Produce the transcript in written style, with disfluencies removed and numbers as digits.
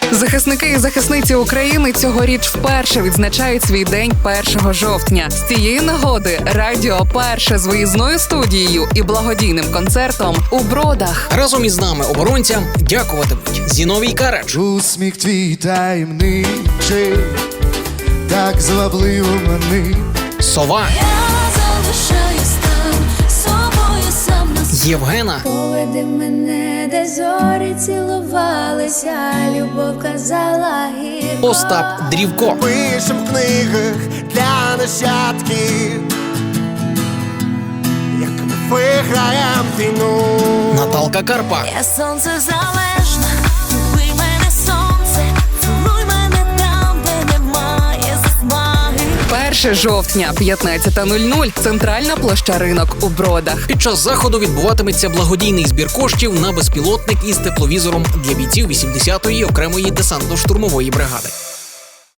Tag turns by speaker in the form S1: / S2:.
S1: Захисники і захисниці України цьогоріч вперше відзначають свій день 1 жовтня. З цієї нагоди Радіо Перше з виїзною студією і благодійним концертом у Бродах.
S2: Разом із нами, оборонцям, дякуватимуть Зіновій Карадж,
S3: Усміх твій таємничий, так звабливо манить.
S2: Сова,
S4: Я залишаюсь там, собою сам на світ.
S2: Євгена,
S4: Поведи мене, де зорі цілувалися, любов казала гірко.
S2: Остап Дрівко,
S3: Пишем в книгах для нащадків, як ми виграєм війну.
S2: Наталка Карпа,
S4: Я сонце залежна, люби мене сонце, цілуй мене там, де немає засмаги.
S1: 1 жовтня, 15:00, центральна площа Ринок у Бродах.
S2: Під час заходу відбуватиметься благодійний збір коштів на безпілотник із тепловізором для бійців 80-ї окремої десантно-штурмової бригади.